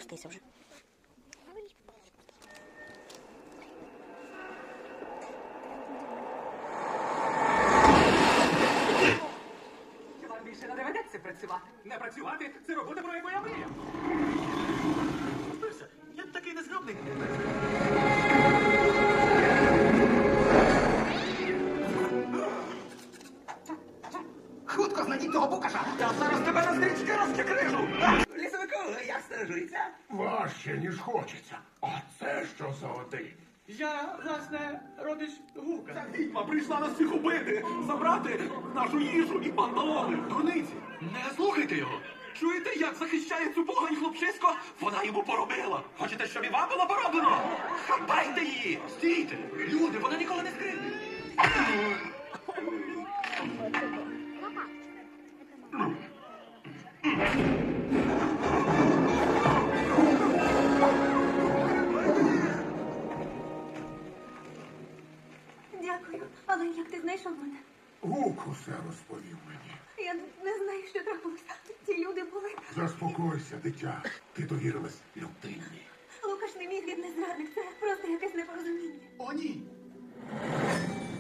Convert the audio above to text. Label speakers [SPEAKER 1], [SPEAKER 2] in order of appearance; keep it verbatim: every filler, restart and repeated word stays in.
[SPEAKER 1] спустися вже.
[SPEAKER 2] Вам більше не доведеться працювати. Не працювати – це робота, про яку я мріяв. Спився, я такий незграбний. Хутко знайдіть того букаша. Я зараз тебе на стрічки розкикрижу. Лісовику, як стережується?
[SPEAKER 3] Важче, ніж хочеться. А це що за один?
[SPEAKER 2] Я, власне, родич Гука. Ця відьма прийшла нас всіх убити, забрати нашу їжу і панталони. Дурниці, не слухайте його. Чуєте, як захищає цю погань хлопчисько? Вона йому поробила. Хочете, щоб і вам було пороблено? Хапайте її! Стійте! Люди, вона ніколи не скрине.
[SPEAKER 4] Дякую. Але як ти знайшов мене?
[SPEAKER 3] Гук усе розповів мені.
[SPEAKER 4] Я не знаю, що трапилося. Ці люди були...
[SPEAKER 3] Заспокойся, дитя. Ти довірилась людині.
[SPEAKER 4] Лукаш не міг, він не зрадник. Це просто якесь непорозуміння.
[SPEAKER 2] О, ні.